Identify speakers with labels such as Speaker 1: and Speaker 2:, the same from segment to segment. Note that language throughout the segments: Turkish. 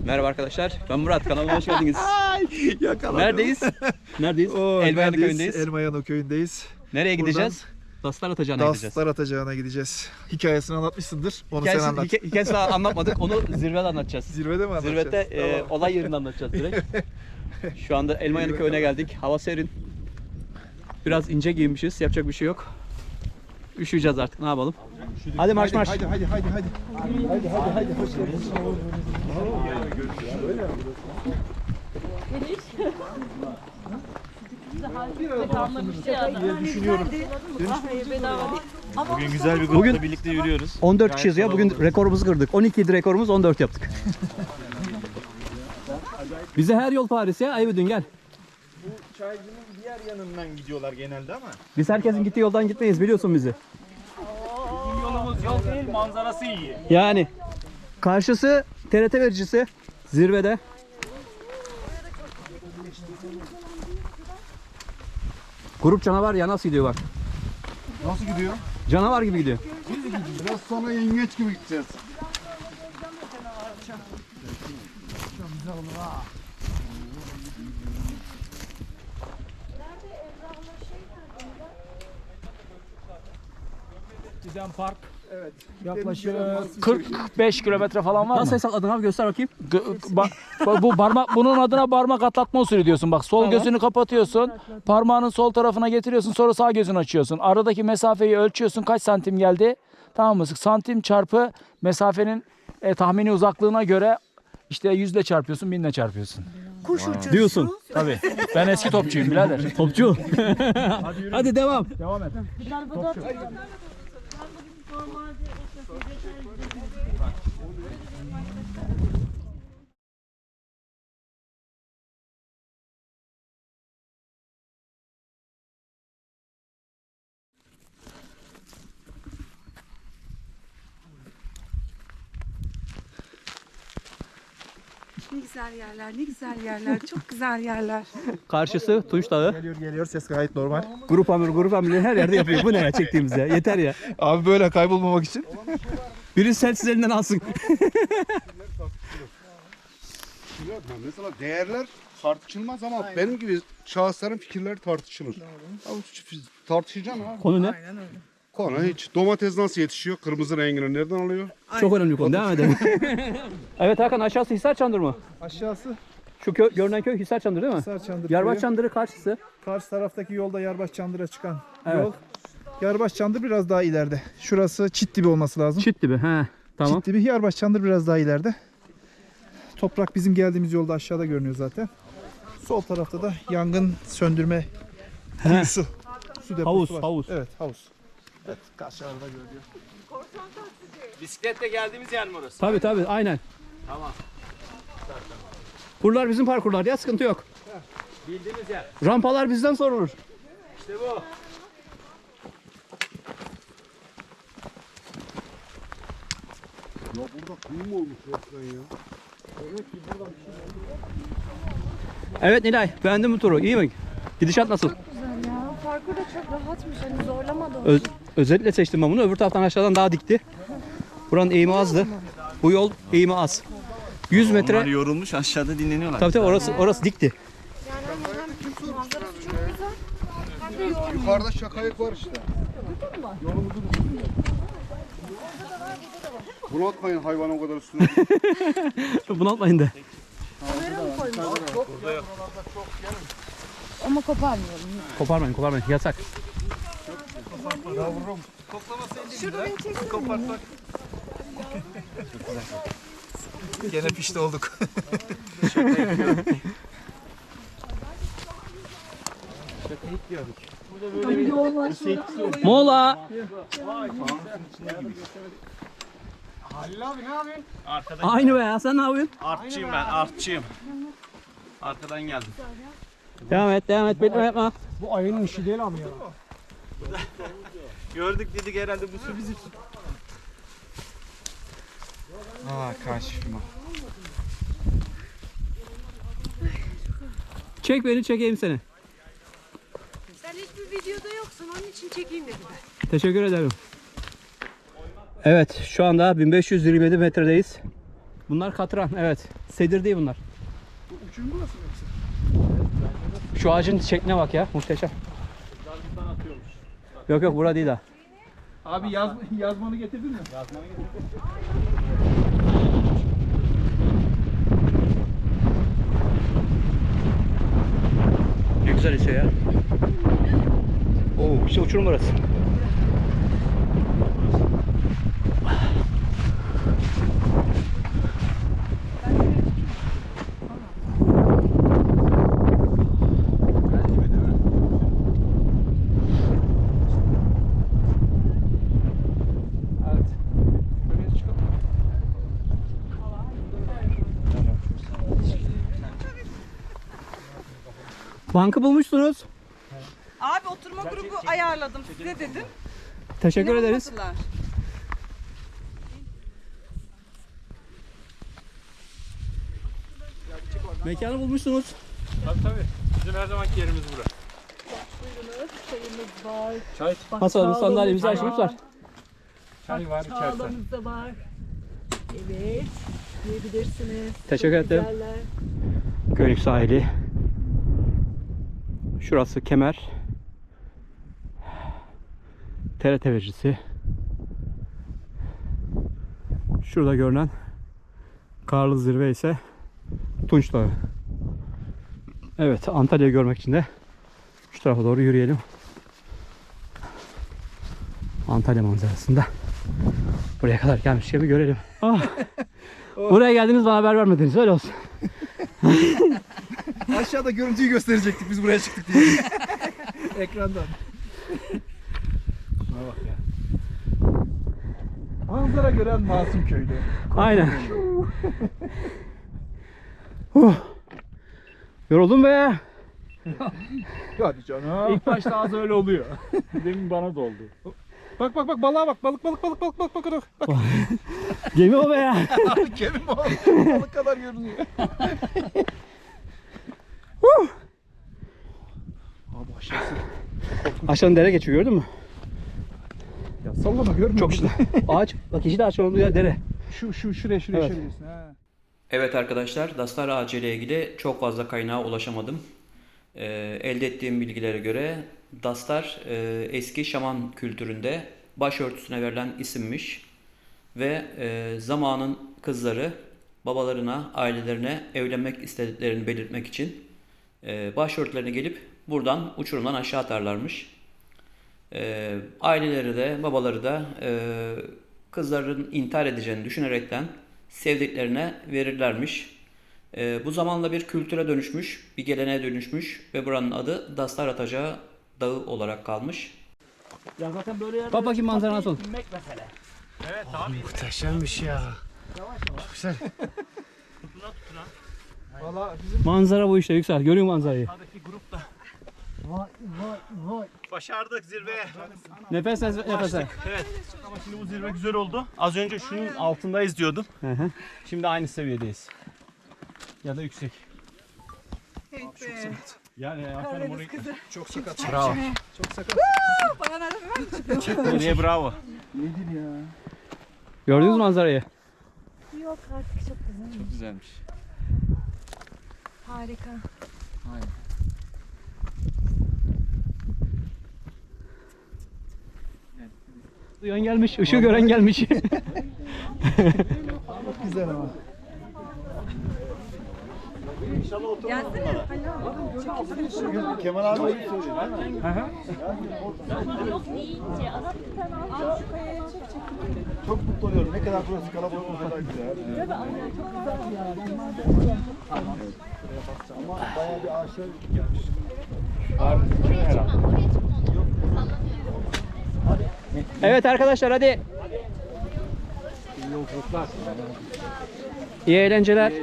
Speaker 1: Merhaba arkadaşlar. Ben Murat. Kanalıma hoş geldiniz. Neredeyiz? Neredeyiz? Elmayanı köyündeyiz.
Speaker 2: Elmayanı köyündeyiz.
Speaker 1: Nereye gideceğiz? Daslar atacağına gideceğiz.
Speaker 2: Daslar atacağına gideceğiz. Hikayesini anlatmışsındır. Onu sen anlat.
Speaker 1: Hikayesini anlatmadık. Onu zirvede anlatacağız.
Speaker 2: Zirvede mi anlatacağız?
Speaker 1: Zirvede
Speaker 2: Tamam.
Speaker 1: olay yerinde anlatacağız direkt. Şu anda Elmayanı köyüne geldik. Hava serin. Biraz ince giyinmişiz. Yapacak bir şey yok. Üşüyeceğiz artık. Ne yapalım? Hadi marş marş.
Speaker 2: Hadi. Hadi. Hoş geldiniz. Düşünüyorum.
Speaker 3: Bugün güzel bir grupla birlikte yürüyoruz.
Speaker 1: 14 kişiyiz ya. Bugün rekorumuzu kırdık. 12 idi rekorumuz, 14 yaptık. Bize her yol Paris ya. Ayıbıdın gel.
Speaker 3: Bu çaycının diğer yanından gidiyorlar genelde ama.
Speaker 1: Biz herkesin gittiği yoldan gitmeyiz, biliyorsun bizi.
Speaker 3: Bizim yolumuz yol değil, manzarası iyi.
Speaker 1: Yani karşısı TRT vericisi zirvede. Grup canavar ya, nasıl gidiyor bak.
Speaker 2: Nasıl gidiyor?
Speaker 1: Canavar gibi gidiyor.
Speaker 2: Biraz sonra yengeç gibi gideceğiz.
Speaker 4: Giden park
Speaker 2: Evet.
Speaker 4: yaklaşık 45 kilometre falan var
Speaker 1: Nasıl
Speaker 4: mı?
Speaker 1: hesapladın abi, göster bakayım.
Speaker 4: Bu parmak, bunun adına parmak atlatma usulü diyorsun. Bak sol
Speaker 1: Tamam.
Speaker 4: gözünü kapatıyorsun. Parmağının sol tarafına getiriyorsun. Sonra sağ gözünü açıyorsun. Aradaki mesafeyi ölçüyorsun. Kaç santim geldi? Tamam mı? Santim çarpı mesafenin tahmini uzaklığına göre işte 100'le çarpıyorsun, 1000'le çarpıyorsun.
Speaker 5: Kuş uçuşu.
Speaker 1: Diyorsun.
Speaker 4: Tabii. Ben eski topçuyum birader.
Speaker 1: Topçu. Hadi devam.
Speaker 4: Devam et.
Speaker 5: Ne güzel yerler, ne güzel yerler, çok güzel yerler.
Speaker 1: Karşısı Tunç Dağı.
Speaker 2: Geliyor. Ses gayet normal.
Speaker 1: Grup amirleri her yerde yapıyor. Bu ne ya çektiğimiz ya? Yeter ya.
Speaker 2: Abi böyle kaybolmamak için.
Speaker 1: Biri selsiz elinden alsın.
Speaker 6: Mesela değerler tartışılmaz ama benim gibi şahısların fikirleri tartışılır. Abi tartışacaksın abi.
Speaker 1: Konu ne?
Speaker 6: Konu hiç. Domates nasıl yetişiyor? Kırmızı rengini nereden alıyor?
Speaker 1: Çok önemli konu. Devam edelim. Evet Hakan, aşağısı Hisar Çandır mı?
Speaker 2: Aşağısı
Speaker 1: Şu görünen köy Hisar Çandır değil mi?
Speaker 2: Hisar Çandır
Speaker 1: Yarbaç
Speaker 2: köyü.
Speaker 1: Çandırı karşısı.
Speaker 2: Karşı taraftaki yolda Yarbaş Çandır'a çıkan
Speaker 1: Evet.
Speaker 2: yol. Yarbaş Çandır biraz daha ileride. Şurası Çitdibi olması lazım.
Speaker 1: Çit gibi. He. Tamam.
Speaker 2: Çitdibi, Yarbaş Çandır biraz daha ileride. Toprak bizim geldiğimiz yolda aşağıda görünüyor zaten. Sol tarafta da yangın söndürme kuyusu. Su deposu
Speaker 1: Havuz,
Speaker 2: var.
Speaker 1: havuz.
Speaker 2: Evet, havuz. Evet, karşılarda görünüyor.
Speaker 3: Bisikletle geldiğimiz yer mi orası?
Speaker 1: Tabii aynen.
Speaker 3: Tamam.
Speaker 1: Buralar bizim parkurlar ya, sıkıntı yok.
Speaker 3: Bildiğimiz yer.
Speaker 1: Rampalar bizden sorulur.
Speaker 3: İşte bu.
Speaker 6: Ya burada kuyu mu olmuş resmen ya?
Speaker 1: Evet Nilay, beğendin bu turu? İyi mi? Gidişat nasıl?
Speaker 7: Güzel ya. Parkur da çok rahatmış. Hani zorlamadı.
Speaker 1: Özellikle seçtim ben bunu. Öbür taraftan aşağıdan daha dikti. Buranın eğimi azdı. Bu yol eğimi az. 100 metre.
Speaker 3: Onlar yorulmuş aşağıda dinleniyorlar.
Speaker 1: Tabii orası dikti.
Speaker 7: Yani hem manzarası çok güzel. Hem de yorgun.
Speaker 6: Yukarıda şakayık var işte. Yolumuzun üstünde. Bunaltmayın hayvan o kadar üstüne.
Speaker 1: Bunaltmayın da.
Speaker 7: Ama koparmıyorum.
Speaker 1: Koparmayın. Yasak.
Speaker 7: Şurada beni çeksene.
Speaker 2: Gene pişti olduk.
Speaker 1: Mola.
Speaker 3: Halil abi ne yapıyorsun? Arkadan.
Speaker 1: Aynı be ya, sen ne yapıyorsun?
Speaker 3: Artçıyım ben, artçıyım. Arkadan geldim.
Speaker 1: Devam et, bekleme yapma.
Speaker 4: Bu ayının işi değil abi ya.
Speaker 3: Gördük dedik herhalde bu su bizim su.
Speaker 2: Karşıma.
Speaker 1: Çek beni, çekeyim seni.
Speaker 5: Sen hiçbir videoda yoksun, onun için çekeyim dedim.
Speaker 1: Teşekkür ederim. Evet, şu anda 1527 metredeyiz. Bunlar katran, evet. Sedir değil bunlar.
Speaker 2: Bu uçurum burası mı yoksa?
Speaker 1: Şu ağacın şekline bak ya, muhteşem. Yok yok, bura değil ha.
Speaker 2: Abi yazmanı getirdin mi?
Speaker 1: Ne güzel esiyor ya. Oo, işte uçurum burası.
Speaker 2: Evet. Böyle çıkalım.
Speaker 1: Bankı bulmuşsunuz.
Speaker 8: Abi oturma grubu ayarladım size dedim.
Speaker 1: Teşekkür ederiz.
Speaker 8: Bulmadılar.
Speaker 1: Mekanı bulmuşsunuz.
Speaker 3: Tabii. Bizim her zamanki yerimiz burası. Çay,
Speaker 1: Masamızı, sandalyemizi açmışlar.
Speaker 3: çay var içersen.
Speaker 5: Çağlamız da var. Evet. Yiyebilirsiniz.
Speaker 1: Teşekkür ederim.
Speaker 5: Güzeller.
Speaker 1: Gölük sahili. Şurası Kemer. TRT vericisi. Şurada görünen karlı zirve ise Tunç Dağı. Evet, Antalya'yı görmek için de şu tarafa doğru yürüyelim. Antalya manzarasında buraya kadar gelmişken bir görelim. Ah. Buraya geldiniz, bana haber vermediniz, öyle olsun.
Speaker 2: Aşağıda görüntüyü gösterecektik biz buraya çıktık diye. Ekrandan.
Speaker 3: Şuna bak ya.
Speaker 2: Manzara gören masum köylü.
Speaker 1: Aynen. Yoruldum be.
Speaker 2: Hadi canım.
Speaker 3: İlk başta az öyle oluyor. Demin bana da oldu.
Speaker 2: Bak balığa bak. Balık. Bak.
Speaker 1: Gemi o be ya.
Speaker 2: Gemi balık kadar görünüyor. Abi aşağısı.
Speaker 1: Aşağıdan dere geçiyor, gördün mü?
Speaker 2: Ya sallama görmüyor
Speaker 1: Çok
Speaker 2: musun?
Speaker 1: işte. Ağaç. Bak, yeşil ağaç olduğu yer dere.
Speaker 2: Şuraya
Speaker 1: Evet.
Speaker 2: diyorsun ha.
Speaker 1: Evet arkadaşlar, Dastar ağacı ile ilgili çok fazla kaynağa ulaşamadım. Elde ettiğim bilgilere göre Dastar eski şaman kültüründe başörtüsüne verilen isimmiş. Ve zamanın kızları babalarına, ailelerine evlenmek istediklerini belirtmek için başörtülerine gelip buradan uçurumdan aşağı atarlarmış. Aileleri de babaları da kızların intihar edeceğini düşünerekten sevdiklerine verirlermiş. Bu zamanla bir kültüre dönüşmüş, bir geleneğe dönüşmüş ve buranın adı Dastar Atacağı Dağı olarak kalmış.
Speaker 4: Ya zaten böyle yerde
Speaker 1: Bak bakayım manzara nasıl?
Speaker 4: inmek mesele.
Speaker 3: Evet abi.
Speaker 6: Muhteşemmiş ya.
Speaker 2: Valla bizim
Speaker 1: Manzara bu işte Yüksel. Görüyor musun manzarayı?
Speaker 3: Sağdaki grup da. Başardık zirveye.
Speaker 1: Nefes nefese.
Speaker 3: Evet. Ama şimdi bu zirve güzel oldu. Az önce şunun altındayız diyordum.
Speaker 1: Hı.
Speaker 3: Şimdi aynı seviyedeyiz. Ya da yüksek. Yani aferin orayı.
Speaker 2: çok sakat.
Speaker 3: Bravo.
Speaker 2: Çok sakat.
Speaker 8: Bana nereden ver?
Speaker 3: Nereye bravo.
Speaker 2: Nedir ya?
Speaker 1: Gördünüz mü manzarayı?
Speaker 7: Yok artık çok güzel.
Speaker 3: Güzelmiş.
Speaker 7: Harika.
Speaker 1: Duyan gelmiş, ışığı gören gelmiş.
Speaker 2: Güzel ama.
Speaker 8: Gelsene.
Speaker 6: Kemal abi öyle söylüyor. Çok mutlu oluyorum. Ne kadar burası kalabalık o kadar güzel. Ama bayağı bir ağaçlar gelmiş.
Speaker 1: Evet arkadaşlar, hadi. İyi eğlenceler.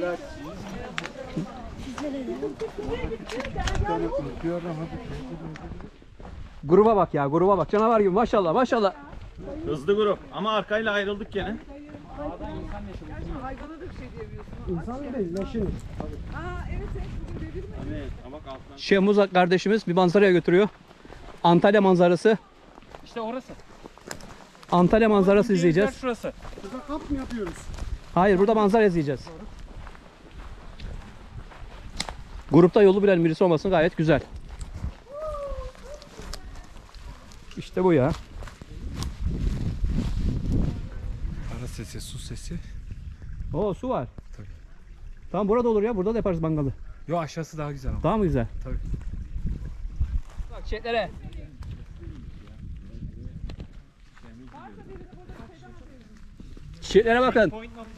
Speaker 1: Gruba bak ya, gruba bak. Canavar gibi, maşallah maşallah.
Speaker 3: Hızlı grup ama arkayla ayrıldık gene.
Speaker 8: Hayvana da bir şey diyemiyorsun.
Speaker 2: İnsan değil, leşiniz.
Speaker 8: Aa evet bugün dedim mi?
Speaker 3: Evet ama altından.
Speaker 1: Şeyh Muzak kardeşimiz bir manzaraya götürüyor. Antalya manzarası.
Speaker 3: İşte orası.
Speaker 1: Antalya manzarası izleyeceğiz.
Speaker 3: Şurası.
Speaker 6: Burada kamp mı yapıyoruz?
Speaker 9: Hayır, burada manzara izleyeceğiz. Grupta yolu bilen birisi olmasın gayet güzel. İşte bu ya.
Speaker 3: Ara sesi, su sesi.
Speaker 9: Oo, su var.
Speaker 3: Tabii.
Speaker 9: Tamam, burada olur ya. Burada da yaparız mangalı.
Speaker 3: Yo, aşağısı daha güzel ama.
Speaker 9: Daha mı güzel?
Speaker 3: Tabii.
Speaker 9: Bak çiçeklere. Çiçeklere bakın.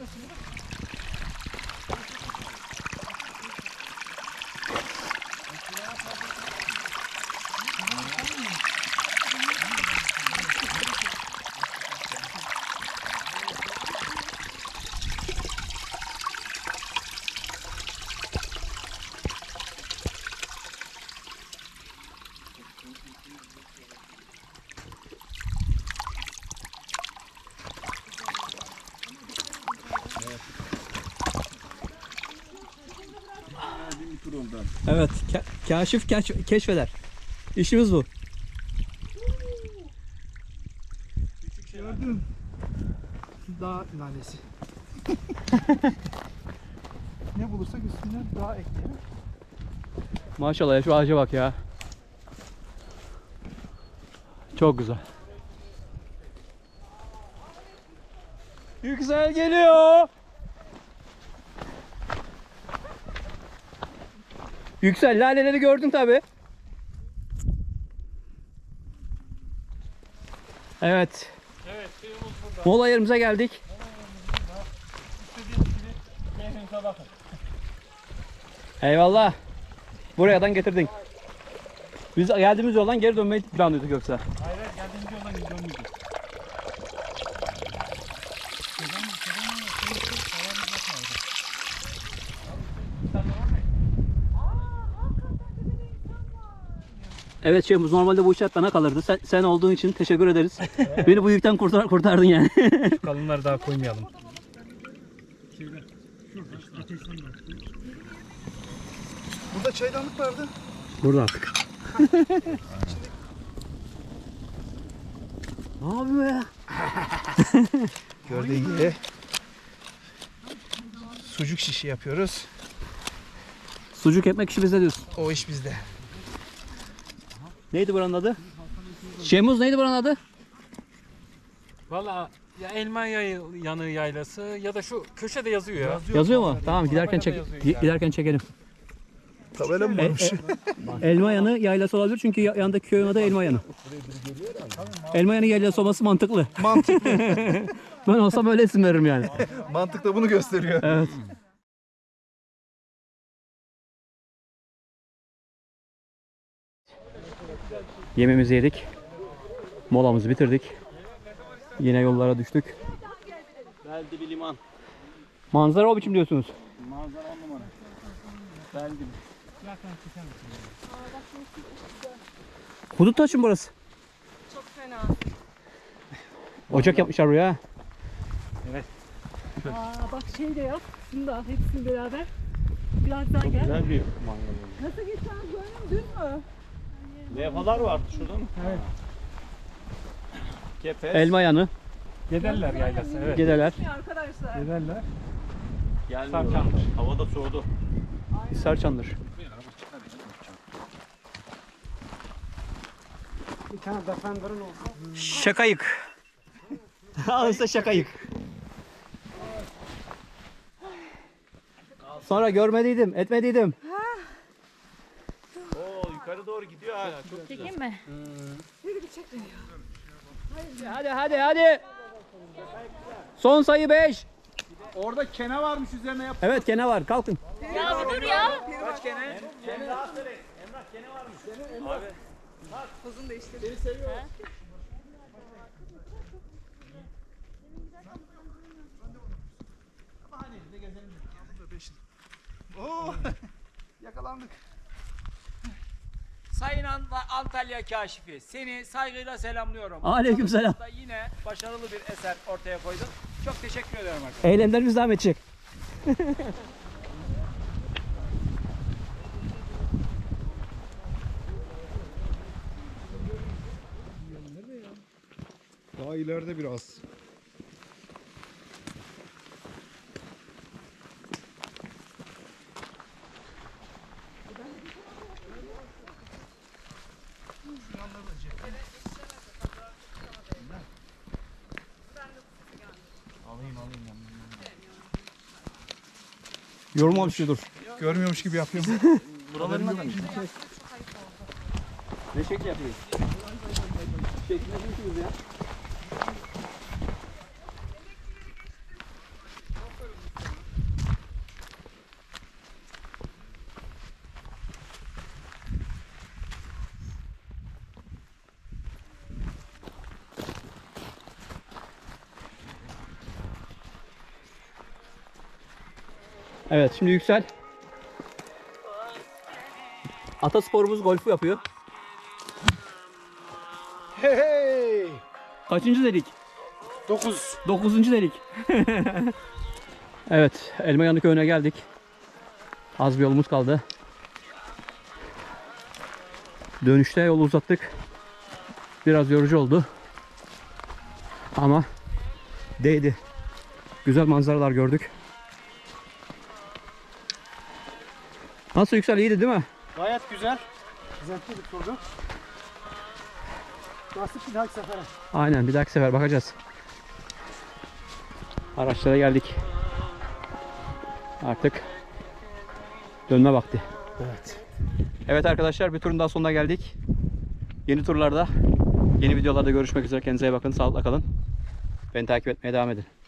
Speaker 9: Evet, kaşif keşfeder. İşimiz bu.
Speaker 2: Gördün. Dağ nanesi. Ne bulursak üstüne dağ ekleyelim.
Speaker 9: Maşallah ya, şu ağaca bak ya. Çok güzel. Yüksel geliyor. Yüksel, laleleri gördün tabi. Evet.
Speaker 3: Evet, suyumuz burada.
Speaker 9: Mola yerimize geldik.
Speaker 3: İstediğiniz gibi keyfinize bakın.
Speaker 9: Eyvallah. Buradan getirdin. Biz geldiğimiz yoldan geri dönmeyi planlıyorduk yoksa.
Speaker 3: Hayır, geldiğimiz yoldan gidiyor muydu?
Speaker 9: Evet Şeyhimiz, normalde bu uçak bana kalırdı. Sen olduğun için teşekkür ederiz. Beni bu yükten kurtardın yani.
Speaker 3: Kalınları daha koymayalım.
Speaker 2: Burada çaydanlık vardı.
Speaker 9: Burada artık. Ne yapıyor ya?
Speaker 2: Gördüğün gibi sucuk şişi yapıyoruz.
Speaker 9: Sucuk ekmek işi bizde diyorsun.
Speaker 2: O iş bizde.
Speaker 9: Neydi buranın adı? Şeyhimiz neydi buranın adı?
Speaker 3: Valla ya Elma Yanı Yaylası ya da şu köşede yazıyor ya.
Speaker 9: Yazıyor mu? Tamam, giderken
Speaker 3: Tabelada yazıyor yani.
Speaker 9: giderken çekelim.
Speaker 2: Tabela mı varmış?
Speaker 9: Elma Yanı yaylası olabilir çünkü yanındaki köyün adı Elma Yanı. Elma Yanı yaylası olması mantıklı.
Speaker 2: Mantıklı.
Speaker 9: Ben olsam öyle isim veririm yani.
Speaker 2: Mantık da bunu gösteriyor.
Speaker 9: Evet. Yemeğimizi yedik. Molamızı bitirdik. Yine yollara düştük.
Speaker 3: Beldi bir liman.
Speaker 9: Manzara o biçim diyorsunuz.
Speaker 3: Manzara 10 numara. Beldi.
Speaker 9: Hudut taşı mı burası?
Speaker 8: Çok fena.
Speaker 9: Ocak yapmışlar buraya.
Speaker 5: Aa, bak şey de yap. Şunu da al, hepsini beraber. Birazdan gel.
Speaker 3: Güzel bir mangal.
Speaker 8: Nasıl geçen dün mü?
Speaker 3: Levhalar vardı şurada mı? Evet. Kepez.
Speaker 9: Elma Yanı.
Speaker 3: Gederler yaylası, evet.
Speaker 9: Gideler.
Speaker 8: Arkadaşlar.
Speaker 3: Gederler.
Speaker 6: Gelmiyorlar. Hava da soğudu.
Speaker 9: Sarçandır. Şakayık. Al işte şakayık. Sonra görmediydim, etmediydim.
Speaker 6: Oo, yukarı doğru gidiyor hala. Çok
Speaker 5: Çekeyim mi?
Speaker 9: Hadi. Son sayı 5.
Speaker 6: Orada kene varmış üzerine yap.
Speaker 9: Evet, kene var. Kalkın.
Speaker 5: Ya bir dur ya.
Speaker 3: Kaç kene?
Speaker 8: Hızını değiştir.
Speaker 2: Oo, yakalandık.
Speaker 4: Sayın Antalya Kaşifi, seni saygıyla selamlıyorum.
Speaker 9: Aleykümselam.
Speaker 4: Da yine başarılı bir eser ortaya koydun. Çok teşekkür ederim arkadaşlar.
Speaker 9: Eylemlerimiz devam edecek.
Speaker 6: Daha ileride biraz.
Speaker 9: Yorulmamış dur.
Speaker 2: Görmüyormuş gibi yapıyorum.
Speaker 9: Buralarından da ne şekil yapıyoruz? Şekil yapıyorsunuz ya. Evet, şimdi Yüksel atasporumuz golfü yapıyor.
Speaker 3: Hey hey.
Speaker 9: Kaçıncı delik?
Speaker 3: 9.
Speaker 9: 9. delik. Evet, Elmayanlı köyüne geldik. Az bir yolumuz kaldı. Dönüşte yolu uzattık. Biraz yorucu oldu. Ama değdi. Güzel manzaralar gördük. Nasıl Yüksel, iyiydi değil mi?
Speaker 3: Gayet güzel. Zevkli bir turdu. Nasip bir dahaki sefere.
Speaker 9: Aynen, bir dahaki sefer bakacağız. Araçlara geldik. Artık dönme vakti.
Speaker 3: Evet.
Speaker 9: Evet arkadaşlar, bir turun daha sonuna geldik. Yeni turlarda, yeni videolarda görüşmek üzere. Kendinize iyi bakın, sağlıkla kalın. Beni takip etmeye devam edin.